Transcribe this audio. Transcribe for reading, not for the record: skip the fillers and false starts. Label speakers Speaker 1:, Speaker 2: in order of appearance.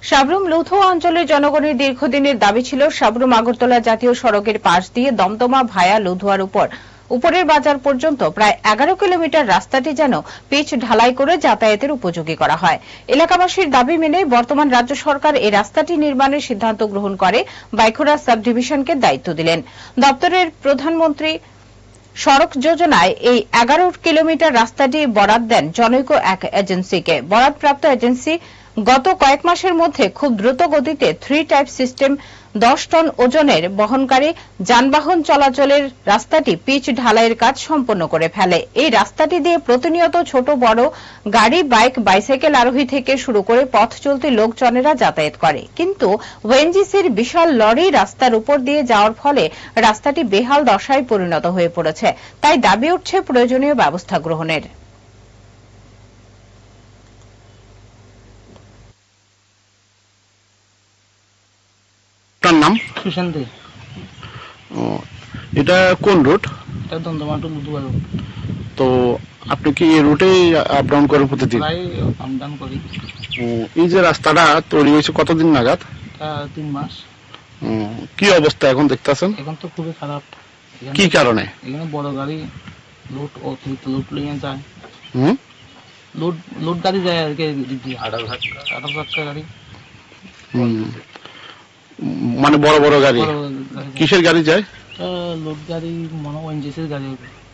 Speaker 1: সাবরুম লৌথুয়া অঞ্চলের জনগণের দীর্ঘদিনের দাবি ছিল সাবরুম আগরতলা জাতীয় সড়কের পাশ দিয়ে দমদমা ভায়া লৌথুয়ার উপরের বাজার পর্যন্ত প্রায় 11 কিলোমিটার রাস্তাটি যেন পিচ ঢালাই করে যাতায়াতের উপযোগী করা হয়। এলাকাবাসীর দাবি মেনে বর্তমান রাজ্য সরকার এই রাস্তাটি নির্মাণের সিদ্ধান্ত গ্রহণ করে বাইখুড়া সাব ডিভিশনকে দায়িত্ব দিলেন। দপ্তরের প্রধানমন্ত্রী সড়ক যোজনায় এই 11 কিলোমিটার রাস্তাটি বরাদ দেন জনৈক এক এজেন্সিকে। বরাদপ্রাপ্ত এজেন্সি গত কয়েক মাসের মধ্যে খুব দ্রুত গতিতে 3 টাইপ সিস্টেম 10 টন ওজনের বহনকারী যানবাহন চলাচলের রাস্তাটি পিচ ঢালাইয়ের কাজ সম্পন্ন করে ফেলে। এই রাস্তাটি দিয়ে প্রতিনিয়ত ছোট বড় গাড়ি, বাইক, বাইসাইকেল আরোহী থেকে শুরু করে পথ চলতি লোকজনেরা যাতায়াত করে। কিন্তু ওএনজিসির বিশাল লরি রাস্তার উপর দিয়ে যাওয়ার ফলে রাস্তাটি বেহাল দশায় পরিণত হয়ে পড়েছে। তাই দাবি উঠছে প্রয়োজনীয় ব্যবস্থা গ্রহণের।
Speaker 2: তার নাম
Speaker 3: সুশান্ত।
Speaker 2: এটা কোন রুট?
Speaker 3: এটা দমদমা টু লুধুয়া রোড।
Speaker 2: তো আপনি কি এই রুটেই আপ ডাউন করেন প্রতিদিন?
Speaker 3: প্রায় আপ ডাউন করি।
Speaker 2: এই যে রাস্তাটা তৈরি হয়েছে কতদিন নাগাদ?
Speaker 3: 3 মাস।
Speaker 2: কি অবস্থা এখন দেখতেছেন?
Speaker 3: এখন তো খুবই খারাপ।
Speaker 2: কি কারণে?
Speaker 3: এখানে বড় গাড়ি লোড অতিরিক্ত লোড নিয়ে যায়। লোড গাড়ি যায় আর কি, 18 গাড়ি।
Speaker 2: মানে বড় বড় গাড়ি? কিসের গাড়ি যায়?
Speaker 3: লোড গাড়ি মনে হয় ওএনজিসির গাড়ি হবে।